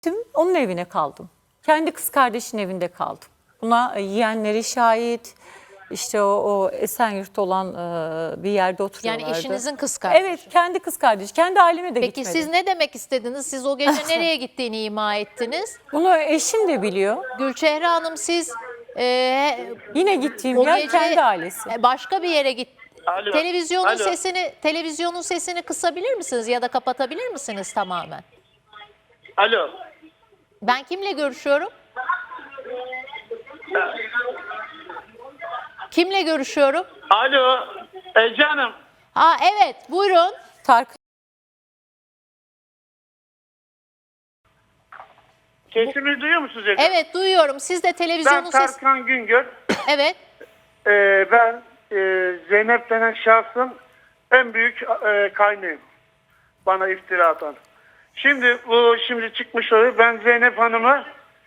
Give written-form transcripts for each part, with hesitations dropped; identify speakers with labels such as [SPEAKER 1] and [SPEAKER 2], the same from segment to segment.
[SPEAKER 1] Onun evine kaldım. Kendi kız kardeşinin evinde kaldım. Buna yeğenleri şahit. İşte o Esenyurt'ta olan bir yerde oturuyorlardı.
[SPEAKER 2] Yani eşinizin kız kardeşi.
[SPEAKER 1] Evet, kendi kız kardeşi. Kendi aileme de
[SPEAKER 2] Peki
[SPEAKER 1] gitmedi.
[SPEAKER 2] siz ne demek istediniz? Siz o gece nereye gittiğini ima ettiniz?
[SPEAKER 1] Bunu eşim de biliyor.
[SPEAKER 2] Gülçehre Hanım siz
[SPEAKER 1] Yine gittiğim
[SPEAKER 2] o
[SPEAKER 1] yer
[SPEAKER 2] gece
[SPEAKER 1] kendi ailesi.
[SPEAKER 2] başka bir yere git.
[SPEAKER 3] Alo,
[SPEAKER 2] Televizyonun
[SPEAKER 3] alo.
[SPEAKER 2] televizyonun sesini kısabilir misiniz ya da kapatabilir misiniz tamamen?
[SPEAKER 3] Alo.
[SPEAKER 2] Ben kimle görüşüyorum? Kimle görüşüyorum?
[SPEAKER 3] Alo. Ece Hanım.
[SPEAKER 2] Ha evet, buyurun.
[SPEAKER 1] Tarık
[SPEAKER 3] Sesimi duyuyor musunuz Ece?
[SPEAKER 2] Evet, duyuyorum. Siz de
[SPEAKER 3] Ben
[SPEAKER 2] televizyonun sesi...
[SPEAKER 3] Tarkan Güngör.
[SPEAKER 2] Evet.
[SPEAKER 3] Ben Zeynep denen şahsın en büyük kaynağıyım. Bana iftira atan. Şimdi çıkmış oluyor. Ben Zeynep Hanım'ı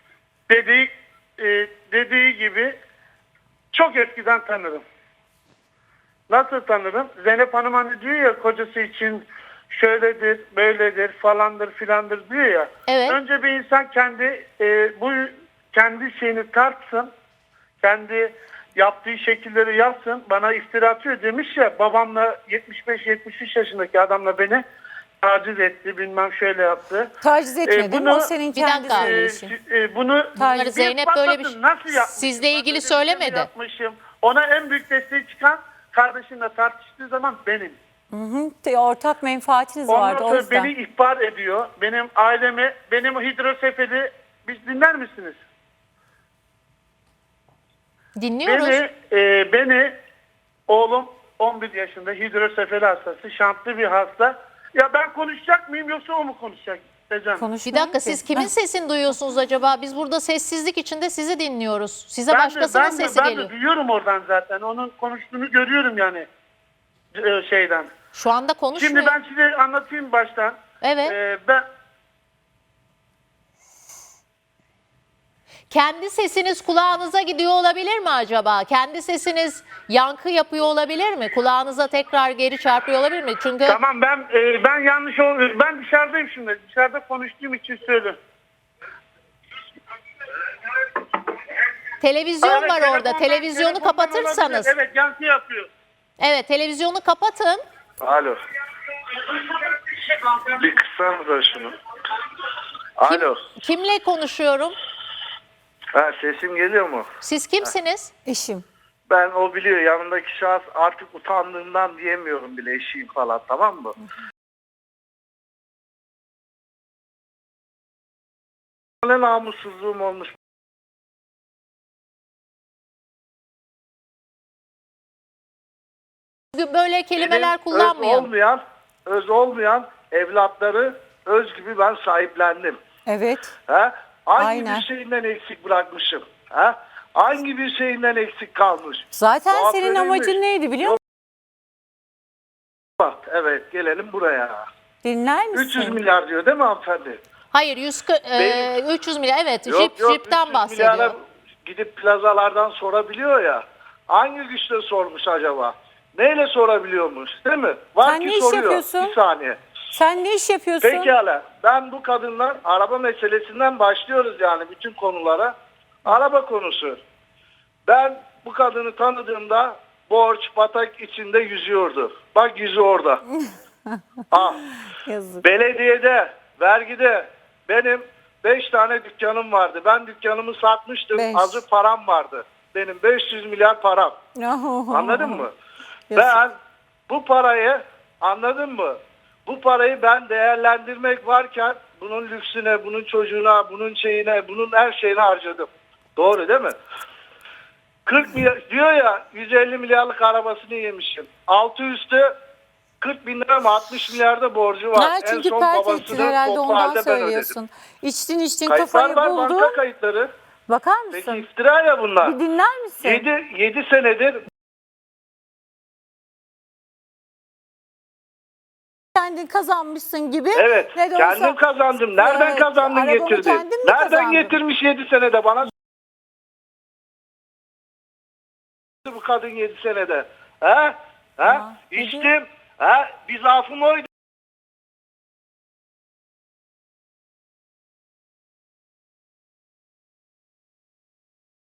[SPEAKER 3] dediği gibi çok eskiden tanırım. Nasıl tanırım? Zeynep Hanım hani diyor ya kocası için şöyledir, böyledir, falandır, filandır diyor ya.
[SPEAKER 2] Evet.
[SPEAKER 3] Önce bir insan kendi şeyini tartsın. Kendi yaptığı şekilleri yapsın. Bana iftira atıyor demiş ya, babamla 75-73 yaşındaki adamla beni taciz etti, bilmem şöyle yaptı.
[SPEAKER 1] taciz etmedim. O senin
[SPEAKER 2] Bir
[SPEAKER 1] kendi
[SPEAKER 2] dakika.
[SPEAKER 1] söyleyişin.
[SPEAKER 3] Bunu
[SPEAKER 1] Bunları
[SPEAKER 2] Zeynep böyle bir şey-
[SPEAKER 3] nasıl yapmış?
[SPEAKER 2] sizle ilgili
[SPEAKER 3] Ben de
[SPEAKER 2] söylemedi.
[SPEAKER 3] yapmışım. Ona en büyük destek çıkan kardeşimle tartıştığı zaman benim.
[SPEAKER 1] Ortak menfaatiniz
[SPEAKER 3] Ondan
[SPEAKER 1] vardı o
[SPEAKER 3] sonra
[SPEAKER 1] yüzden.
[SPEAKER 3] beni ihbar ediyor. Benim ailemi, benim hidrosefeli, biz dinler misiniz?
[SPEAKER 2] Dinliyoruz.
[SPEAKER 3] Beni oğlum 11 yaşında hidrosefeli hastası, şantlı bir hasta. Ya ben konuşacak mıyım yoksa o mu konuşacak? Ecem?
[SPEAKER 2] Bir
[SPEAKER 1] Konuşmuyorum
[SPEAKER 2] dakika,
[SPEAKER 1] ki.
[SPEAKER 2] siz kimin sesini duyuyorsunuz acaba? Biz burada sessizlik içinde sizi dinliyoruz. Size
[SPEAKER 3] Ben
[SPEAKER 2] başkasının
[SPEAKER 3] de
[SPEAKER 2] sesi geliyor.
[SPEAKER 3] duyuyorum oradan zaten. Onun konuştuğunu görüyorum yani şeyden.
[SPEAKER 2] Şu anda konuşmuyor.
[SPEAKER 3] Şimdi ben size anlatayım baştan.
[SPEAKER 2] Evet.
[SPEAKER 3] Ben
[SPEAKER 2] Kendi sesiniz kulağınıza gidiyor olabilir mi acaba? Kendi sesiniz yankı yapıyor olabilir mi? Kulağınıza tekrar geri çarpıyor olabilir mi? Çünkü
[SPEAKER 3] tamam, ben yanlış oluyor. Ben dışarıdayım şimdi. Dışarıda konuştuğum için söylüyorum.
[SPEAKER 2] televizyon
[SPEAKER 3] Evet,
[SPEAKER 2] var orada.
[SPEAKER 3] telefondan
[SPEAKER 2] Televizyonu kapatırsanız.
[SPEAKER 3] olabilir. Evet, yankı yapıyor.
[SPEAKER 2] Evet, televizyonu kapatın.
[SPEAKER 4] Alo. Bir kıssanıza şunu. Alo.
[SPEAKER 2] Kimle konuşuyorum?
[SPEAKER 4] Ha, sesim geliyor mu?
[SPEAKER 2] Siz kimsiniz?
[SPEAKER 1] Eşim.
[SPEAKER 4] Ben o biliyor, yanındaki şahıs, artık utandığımdan diyemiyorum bile eşiyim falan, tamam mı? Ne namussuzluğum olmuş.
[SPEAKER 2] Böyle kelimeler
[SPEAKER 4] Benim
[SPEAKER 2] kullanmayalım.
[SPEAKER 4] öz olmayan evlatları öz gibi ben sahiplendim.
[SPEAKER 1] Evet.
[SPEAKER 4] Ha? Hangi
[SPEAKER 1] Aynen.
[SPEAKER 4] bir şeyinden eksik bırakmışım? Ha? Hangi bir şeyinden eksik kalmış?
[SPEAKER 1] Zaten
[SPEAKER 4] Tuhaf
[SPEAKER 1] senin
[SPEAKER 4] verilmiş.
[SPEAKER 1] amacın neydi biliyor musun?
[SPEAKER 4] Bak, evet, gelelim buraya.
[SPEAKER 1] Dinler
[SPEAKER 4] 300
[SPEAKER 1] misin?
[SPEAKER 4] milyar diyor değil mi hanımefendi?
[SPEAKER 2] Hayır,
[SPEAKER 4] Benim-
[SPEAKER 2] 300 milyar. Evet,
[SPEAKER 4] Yok,
[SPEAKER 2] Jeep'ten
[SPEAKER 4] 300
[SPEAKER 2] bahsediyor.
[SPEAKER 4] milyara gidip plazalardan sorabiliyor ya. Hangi güçle sormuş acaba? Neyle sorabiliyormuş, değil mi? Var
[SPEAKER 1] Sen
[SPEAKER 4] ki
[SPEAKER 1] ne iş
[SPEAKER 4] soruyor.
[SPEAKER 1] yapıyorsun?
[SPEAKER 4] Bir saniye.
[SPEAKER 1] Sen ne iş yapıyorsun?
[SPEAKER 4] Pekala. Ben bu kadınlar araba meselesinden başlıyoruz yani bütün konulara. Araba konusu. Ben bu kadını tanıdığımda borç, batak içinde yüzüyordu. Bak, yüzü orada.
[SPEAKER 1] Yazık.
[SPEAKER 4] Belediyede, vergide benim 5 tane dükkanım vardı. Ben dükkanımı satmıştım.
[SPEAKER 1] Beş.
[SPEAKER 4] Azı param vardı. Benim 500 milyar param. Anladın mı?
[SPEAKER 1] Yazık.
[SPEAKER 4] Ben bu parayı, anladın mı? Bu parayı ben değerlendirmek varken bunun lüksüne, bunun çocuğuna, bunun şeyine, bunun her şeyine harcadım. Doğru değil mi? 40 milyar diyor ya, 150 milyarlık arabasını yemişim. Altı üstü 40 bin lira mı 60 milyarda borcu var.
[SPEAKER 1] Ha, çünkü pert
[SPEAKER 4] babasını
[SPEAKER 1] ettin herhalde,
[SPEAKER 4] toplu
[SPEAKER 1] ondan
[SPEAKER 4] halde ben ödedim.
[SPEAKER 1] söylüyorsun. İçtin
[SPEAKER 4] Kayıtlar
[SPEAKER 1] kafayı
[SPEAKER 4] var,
[SPEAKER 1] buldun.
[SPEAKER 4] banka kayıtları.
[SPEAKER 1] Bakar
[SPEAKER 4] Peki
[SPEAKER 1] mısın?
[SPEAKER 4] iftira ya bunlar.
[SPEAKER 1] Bir dinler misin?
[SPEAKER 4] 7 senedir
[SPEAKER 1] Kendin kazanmışsın gibi.
[SPEAKER 4] evet,
[SPEAKER 1] Ne de olsa-
[SPEAKER 4] kendim kazandım. Nereden
[SPEAKER 1] Evet,
[SPEAKER 4] kazandın
[SPEAKER 1] arabamı
[SPEAKER 4] getirdin?
[SPEAKER 1] kendin mi
[SPEAKER 4] Nereden
[SPEAKER 1] kazandın?
[SPEAKER 4] getirmiş 7 senede bana? Bu kadın 7 senede. Ha? Ha?
[SPEAKER 1] ne
[SPEAKER 4] İçtim. Ha? Bir zaafım oydu.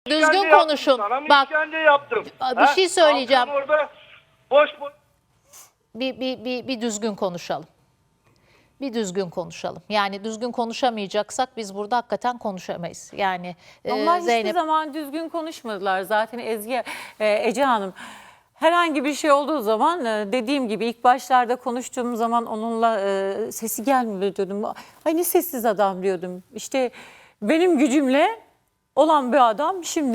[SPEAKER 2] Düzgün
[SPEAKER 4] İşkence yaptım
[SPEAKER 2] konuşun.
[SPEAKER 4] sana mı
[SPEAKER 2] Bak,
[SPEAKER 4] işkence yaptım?
[SPEAKER 2] bir şey söyleyeceğim.
[SPEAKER 4] Kalktın orada boş boş.
[SPEAKER 2] Bir düzgün konuşalım. Bir düzgün konuşalım. Yani düzgün konuşamayacaksak biz burada hakikaten konuşamayız. Yani
[SPEAKER 1] Onlar hiçbir
[SPEAKER 2] Zeynep
[SPEAKER 1] zaman düzgün konuşmadılar zaten Ece Hanım. Herhangi bir şey olduğu zaman dediğim gibi ilk başlarda konuştuğum zaman onunla sesi gelmiyor diyordum. Ay ne sessiz adam diyordum. İşte benim gücümle olan bir adam şimdi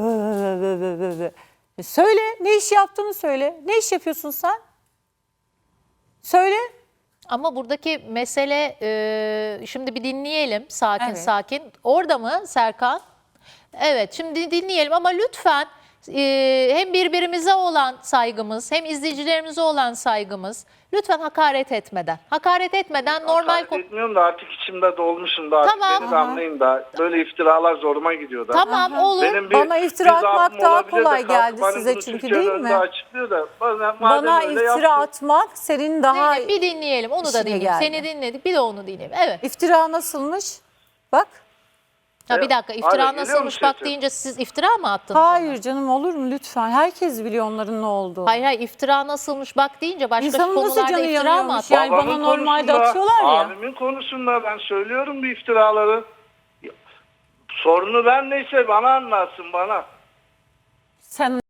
[SPEAKER 1] söyle ne iş yaptığını söyle. Ne iş yapıyorsun sen? Söyle.
[SPEAKER 2] ama buradaki mesele şimdi bir dinleyelim sakin
[SPEAKER 1] Evet.
[SPEAKER 2] sakin. Orada mı Serkan? Evet, şimdi dinleyelim ama lütfen hem birbirimize olan saygımız hem izleyicilerimize olan saygımız lütfen hakaret etmeden. Hakaret etmeden normal
[SPEAKER 4] Hakaret etmiyorum da artık içimde dolmuşum da artık
[SPEAKER 2] Tamam.
[SPEAKER 4] beni de anlayın da böyle iftiralar zoruma gidiyor da.
[SPEAKER 2] Tamam olur.
[SPEAKER 4] Benim
[SPEAKER 1] Bana iftira
[SPEAKER 4] bir zaafım
[SPEAKER 1] atmak daha
[SPEAKER 4] olabilir de
[SPEAKER 1] kolay
[SPEAKER 4] kalkıp
[SPEAKER 1] geldi
[SPEAKER 4] hani
[SPEAKER 1] size
[SPEAKER 4] bunu
[SPEAKER 1] çünkü
[SPEAKER 4] Türkiye'nin
[SPEAKER 1] değil
[SPEAKER 4] önünde
[SPEAKER 1] mi?
[SPEAKER 4] açıklıyor da madem
[SPEAKER 1] Bana
[SPEAKER 4] öyle
[SPEAKER 1] iftira
[SPEAKER 4] yaptı.
[SPEAKER 1] atmak senin daha
[SPEAKER 2] Zeynep, bir dinleyelim onu da
[SPEAKER 1] işine
[SPEAKER 2] dinleyelim.
[SPEAKER 1] geldi.
[SPEAKER 2] Seni dinledik bir de onu dinleyelim. Evet.
[SPEAKER 1] iftira nasılmış? Bak.
[SPEAKER 2] Ha, bir dakika,
[SPEAKER 4] Hala
[SPEAKER 2] iftira
[SPEAKER 4] geliyor mu
[SPEAKER 2] nasılmış bak
[SPEAKER 4] sesim?
[SPEAKER 2] deyince siz iftira mı attınız?
[SPEAKER 1] Hayır canım olur mu lütfen? Herkes biliyor onların ne olduğunu.
[SPEAKER 2] Hayır iftira nasılmış bak deyince başka
[SPEAKER 1] İnsanın nasıl
[SPEAKER 2] konularda
[SPEAKER 1] canı
[SPEAKER 2] iftira mı
[SPEAKER 1] yanıyormuş
[SPEAKER 2] attınız?
[SPEAKER 1] yani? bana
[SPEAKER 4] Babamın
[SPEAKER 1] normalde
[SPEAKER 4] konusunda,
[SPEAKER 1] atıyorlar ya.
[SPEAKER 4] Abimin konusunda ben söylüyorum bu iftiraları. Sorunu ben neyse bana anlatsın bana.
[SPEAKER 1] Sen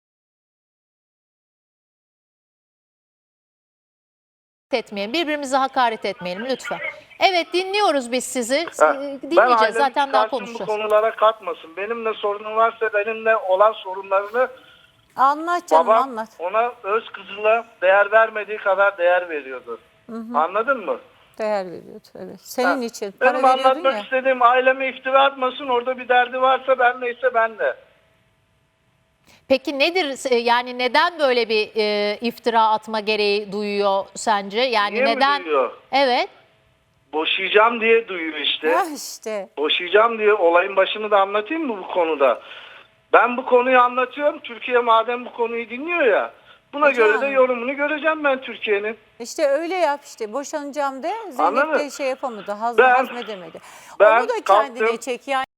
[SPEAKER 2] Etmeyelim, birbirimize hakaret etmeyelim lütfen. Evet dinliyoruz biz sizi.
[SPEAKER 4] Ben
[SPEAKER 2] Dinleyeceğiz
[SPEAKER 4] ailemi
[SPEAKER 2] zaten daha
[SPEAKER 4] çıkarsın,
[SPEAKER 2] konuşacağız.
[SPEAKER 4] bu konulara katmasın. Benimle sorunu varsa benimle olan sorunlarını
[SPEAKER 1] anlat canım
[SPEAKER 4] babam
[SPEAKER 1] anlat.
[SPEAKER 4] ona öz kızına değer vermediği kadar değer veriyordu. Anladın mı?
[SPEAKER 1] Değer veriyordu evet. Senin için.
[SPEAKER 4] Benim
[SPEAKER 1] Para veriyordun
[SPEAKER 4] anlatmak
[SPEAKER 1] ya.
[SPEAKER 4] istediğim aileme iftira atmasın. Orada bir derdi varsa ben neyse ben de.
[SPEAKER 2] Peki nedir yani neden böyle bir iftira atma gereği duyuyor sence? Yani
[SPEAKER 4] Niye mi
[SPEAKER 2] neden?
[SPEAKER 4] duyuyor?
[SPEAKER 2] Evet.
[SPEAKER 4] Boşayacağım diye duyuyor işte.
[SPEAKER 1] Ha işte.
[SPEAKER 4] Boşayacağım diye olayın başını da anlatayım mı bu konuda? Ben bu konuyu anlatıyorum. Türkiye madem bu konuyu dinliyor ya. Buna
[SPEAKER 1] Hocam.
[SPEAKER 4] göre de yorumunu göreceğim ben Türkiye'nin.
[SPEAKER 1] İşte öyle yap işte. Boşanacağım de. Zeynep de
[SPEAKER 4] Anladın?
[SPEAKER 1] şey yapamadı.
[SPEAKER 4] Ben-
[SPEAKER 1] Hazmedemedi.
[SPEAKER 4] ben
[SPEAKER 1] Onu da kendine
[SPEAKER 4] kalktım.
[SPEAKER 1] çek. Yani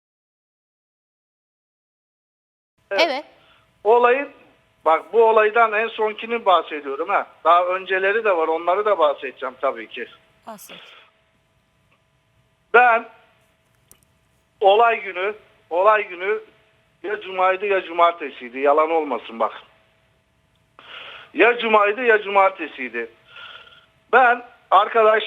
[SPEAKER 2] Evet.
[SPEAKER 4] Olayın bak bu olaydan en sonkini bahsediyorum ha. Daha önceleri de var. Onları da bahsedeceğim tabii ki.
[SPEAKER 1] bahset.
[SPEAKER 4] Ben olay günü ya cumaydı ya cumartesiydi. Yalan olmasın bak. Ya cumaydı ya cumartesiydi. Ben arkadaş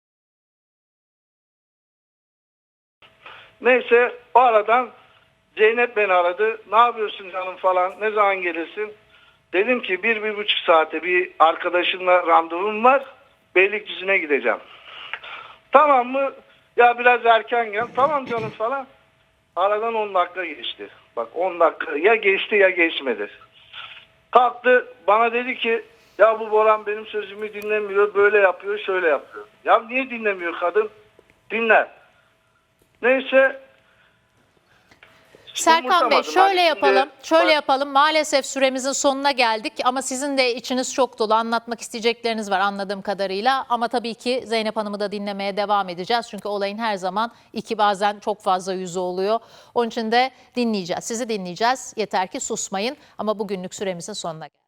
[SPEAKER 4] neyse o aradan Zeynep beni aradı. Ne yapıyorsun canım falan. Ne zaman gelirsin? Dedim ki 1-1,5 saate bir arkadaşımla randevum var. Beylikdüzü'ne gideceğim. Tamam mı? Ya biraz erken gel. Tamam canım falan. Aradan 10 dakika geçti. Bak 10 dakika ya geçti ya geçmedi. Kalktı bana dedi ki ya bu Boran benim sözümü dinlemiyor. Böyle yapıyor şöyle yapıyor. Ya niye dinlemiyor kadın? Dinler. Neyse.
[SPEAKER 2] Serkan Bey
[SPEAKER 4] umursamadım.
[SPEAKER 2] şöyle
[SPEAKER 4] Hani
[SPEAKER 2] yapalım.
[SPEAKER 4] şimdi-
[SPEAKER 2] Şöyle yapalım. Maalesef süremizin sonuna geldik ama sizin de içiniz çok dolu. Anlatmak isteyecekleriniz var anladığım kadarıyla. Ama tabii ki Zeynep Hanım'ı da dinlemeye devam edeceğiz. Çünkü olayın her zaman bazen çok fazla yüzü oluyor. Onun için de dinleyeceğiz. Sizi dinleyeceğiz. Yeter ki susmayın. Ama bugünlük süremizin sonuna geldik.